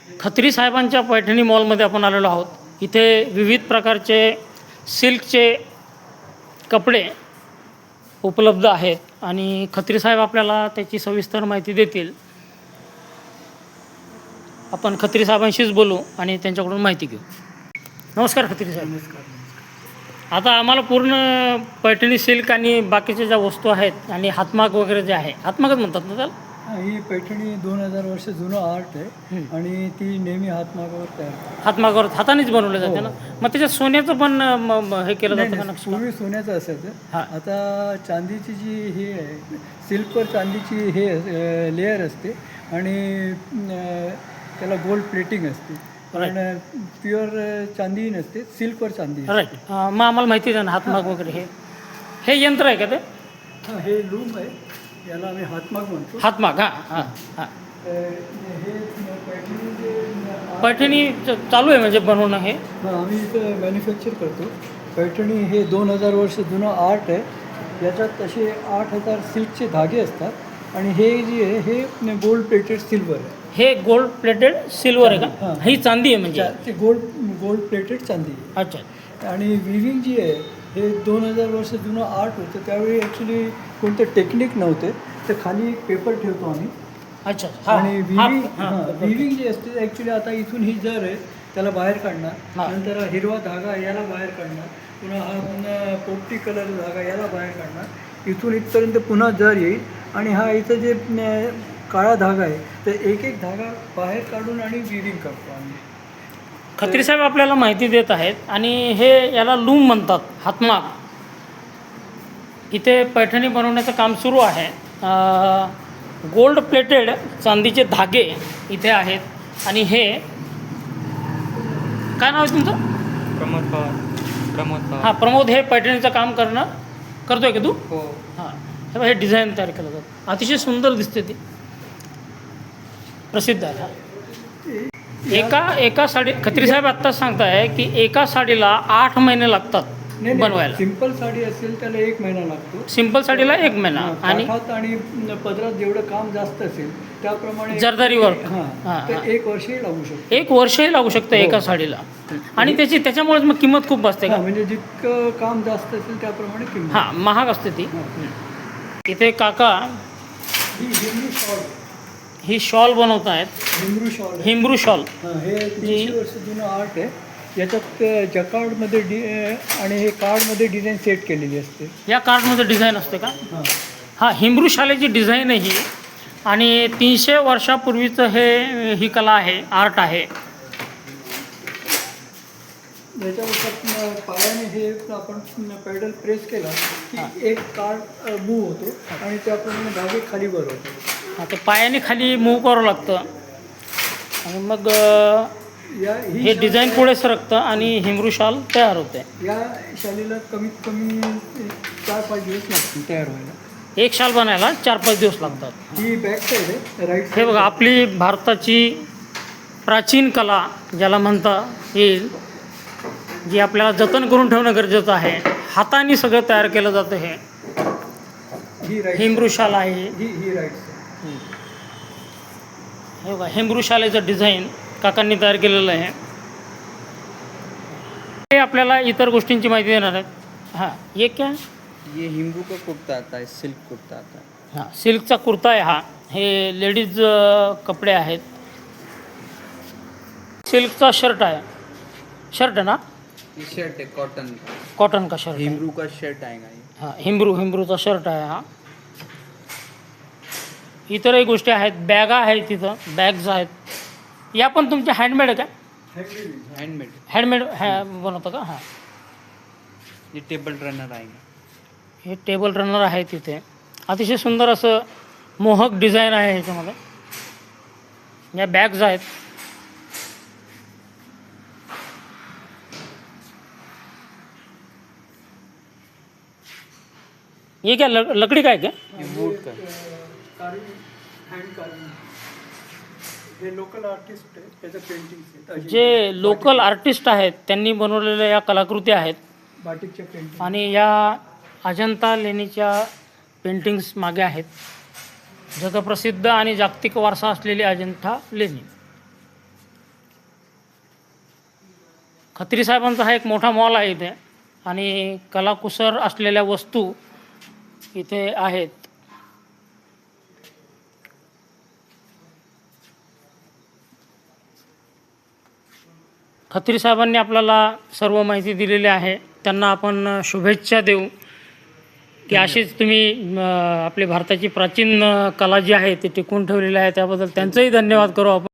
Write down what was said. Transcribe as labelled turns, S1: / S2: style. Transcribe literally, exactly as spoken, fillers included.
S1: खत्री साहेबांच्या पैठणी मॉलमध्ये आपण आलेलो आहोत। इथे विविध प्रकारचे सिल्कचे कपडे उपलब्ध आहेत आणि खत्री साहेब आपल्याला त्याची सविस्तर माहिती देतील। आपण खत्री साहेबांशीच बोलू आणि त्यांच्याकडून माहिती घेऊ। नमस्कार खत्री साहेब।
S2: नमस्कार।
S1: आता आम्हाला पूर्ण पैठणी सिल्क आणि बाकीच्या ज्या वस्तू आहेत आणि हातमाग वगैरे जे आहे, हातमागच म्हणतात ना त्याला?
S2: ही पैठणी दोन हजार वर्ष जुनं आर्ट आहे आणि ती नेहमी हातमागावर तयार करतात।
S1: हातमागावर हातानेच बनवले जाते ना? मग त्याच्यात सोन्याचं पण म- म- हे केलं जातं का
S2: नाही,
S1: नक्षी?
S2: पूर्वी सोन्याचं असायचं।
S1: हां.
S2: आता चांदीची जी हे आहे, सिल्कवर चांदीची हे लेअर असते आणि अं, त्याला गोल्ड प्लेटिंग असते, पण प्युअर चांदी नसते, सिल्कवर चांदी असते।
S1: राईट। मग आम्हाला माहिती आहे ना हातमाग वगैरे हे हे यंत्र आहे का ते?
S2: हां, हे लूम आहे, याला आम्ही हातमाग म्हणतो।
S1: हातमाग, हां हां हां।
S2: अं, हे पैठणी जे
S1: पैठणी च- चालू आहे म्हणजे बनवणं हे?
S2: हां, आम्ही इथं मॅन्युफॅक्चर करतो। पैठणी हे दोन हजार वर्ष जुनं आर्ट आहे। याच्यात तसे आठ हजार सिल्कचे धागे असतात आणि हे जे आहे हे गोल्ड प्लेटेड सिल्वर आहे।
S1: हे गोल्ड प्लेटेड सिल्वर आहे का?
S2: हां.
S1: ही चांदी आहे म्हणजे?
S2: चा- ते गोल्ड गोल्ड प्लेटेड चांदी आहे।
S1: अच्छा।
S2: आणि विविंग जी आहे हे दोन हजार वर्ष जुनं आर्ट होतं, त्यावेळी ॲक्च्युली कोणतं टेक्निक नव्हते, तर खाली एक पेपर ठेवतो आम्ही
S1: अच्छा। हां
S2: आणि
S1: हां
S2: विविंग
S1: हां
S2: हां विविंग जी असते ॲक्च्युली आता इथून ही जर आहे त्याला बाहेर काढणार,
S1: हां.
S2: नंतर हा हिरवा धागा याला बाहेर काढणार, पुन्हा हा पुन्हा पोपटी कलर धागा याला बाहेर काढणार, इथून इथपर्यंत पुन्हा जर येईल आणि हा इथं जे न, काळा धागा आहे तर एक एक धागा बाहेर काढून आणि विविंग करतो आम्ही।
S1: खत्री साहेब आपल्याला माहिती देत आहेत आणि हे याला लूम म्हणतात, हातमाग। इथे पैठणी बनवण्याचं काम सुरू आहे। गोल्ड प्लेटेड चांदीचे धागे इथे आहेत आणि हे काय नाव आहे तुमचं?
S3: प्रमोद पवार। प्रमोद पवार।
S1: हां प्रमोद, हे पैठणीचं काम करणं करतोय का तू?
S3: हो।
S1: हां, हे बघ, हे डिझाईन तयार केलं जातं, अतिशय सुंदर दिसते ती, प्रसिद्ध आहे। हा. एका एका साडी, खत्री साहेब आत्ताच सांगताय की एका साडीला आठ महिने लागतात
S2: नाही
S1: बनवायला।
S2: सिंपल साडी असेल त्याला एक महिना लागतो।
S1: सिंपल साडीला एक महिना
S2: हां,
S1: आणि
S2: काठात आणि पदरात जेवढं काम जास्त असेल त्याप्रमाणे
S1: जरदारी वर्क
S2: हां
S1: हां,
S2: तर
S1: हां.
S2: एक वर्षही लागू शकतो।
S1: एक वर्षही लागू शकतं
S2: हो.
S1: एका साडीला आणि त्याची त्याच्यामुळेच मग किंमत खूप असते का?
S2: हां, म्हणजे जितकं काम जास्त असेल त्याप्रमाणे किंमत।
S1: हां, महाग असते ती।
S2: हां.
S1: इथे काका
S2: ही हिमरू शॉल
S1: ही शॉल बनवत आहेत,
S2: हिमरू शॉल आहे।
S1: हिमरू शॉल।
S2: हां, हे तीनशे वर्ष जुनं आर्ट आहे। याच्यात जकार्डमध्ये डि आणि हे कार्डमध्ये डिझाईन सेट केलेली असते।
S1: या कार्डमध्ये डिझाईन असते का?
S2: हां,
S1: हां, हिमरू शालेची डिझाईन आहे ही आणि तीनशे वर्षापूर्वीचं हे ही कला आहे, आर्ट आहे।
S2: याच्यावर पायाने हे आपण पेडल प्रेस केला की एक कार्ड मूव्ह होतो आणि त्याप्रमाणे धागे खाली वर होतो।
S1: हां, ते पायाने खाली मूव करावं लागतं आणि मग अ,
S2: या ही
S1: हे
S2: शाल-
S1: डिझाईन पुढे सरकतं आणि हिमरू शाल तयार होते।
S2: या शालीला कमीत कमी चार पाच दिवस लागतील तयार व्हायला।
S1: एक शाल बनायला चार पाच दिवस लागतात।
S2: ही बॅक साईड आहे, राईट
S1: हे
S2: साईड।
S1: बघा, आपली भारताची प्राचीन कला ज्याला म्हणता येईल, जी आपल्याला जतन करून ठेवणं गरजेचं आहे, हाताने सगळं तयार केलं जातं। हे
S2: ही राईट
S1: हिमरू शाल आहे।
S2: ही ही राईट साईड।
S1: हे बघा, हिमरू शालेचं डिझाईन काकांनी तयार केलेलं आहे। हे आपल्याला इतर गोष्टींची माहिती देणार आहेत। हां, ये क्या?
S3: ये हिमरू का कुर्ता आता है, सिल्क कुर्ता आता है।
S1: हां, सिल्कचा कुर्ता आहे हा। हे लेडीज कपडे आहेत। सिल्कचा शर्ट आहे, शर्ट आहे ना?
S3: ये शर्ट है कॉटन का,
S1: कॉटन का शर्ट आहे।
S3: हिमरू का शर्ट आएगा ये।
S1: हां, हिमरू हिमरूचा शर्ट आहे हा। इतरही गोष्टी आहेत, बॅगा आहेत, तिथं बॅग्स आहेत। या पण तुमच्या हँडमेड आहे का?
S3: हैंडमेड।
S1: हँडमेड हॅ बनवतं का? हां,
S3: ये टेबल रनर आएगा।
S1: हे टेबल रनर आहे तिथे। अतिशय सुंदर असं मोहक डिझाईन आहे ह्याच्यामध्ये। या बॅग्स आहेत। ये क्या लक- लकड़ी का है क्या?
S3: ये वुड का।
S2: हँड कार्विंग हे लोकल आर्टिस्ट आहे, त्याचं पेंटिंग
S1: जे लोकल आर्टिस्ट आहेत त्यांनी बनवलेल्या या कलाकृती आहेत
S2: बाटिकच्या पेंटिंग
S1: आणि या अजंता लेणीच्या पेंटिंग्स मागे आहेत। जगप्रसिद्ध आणि जागतिक वारसा असलेली अजंठा लेणी। खत्री साहेबांचा हा एक मोठा मॉल आहे इथे आणि कलाकुसर असलेल्या वस्तू इथे आहेत. खत्री साहेबांनी आपल्याला सर्व माहिती दिलेली आहे. त्यांना आपण शुभेच्छा देऊ की अशीच तुम्ही अं, आपली भारताची प्राचीन अं, कला जी आहे ती टिकवून ठेवलेली आहे. त्याबद्दल त्यांचंही धन्यवाद करू आपण.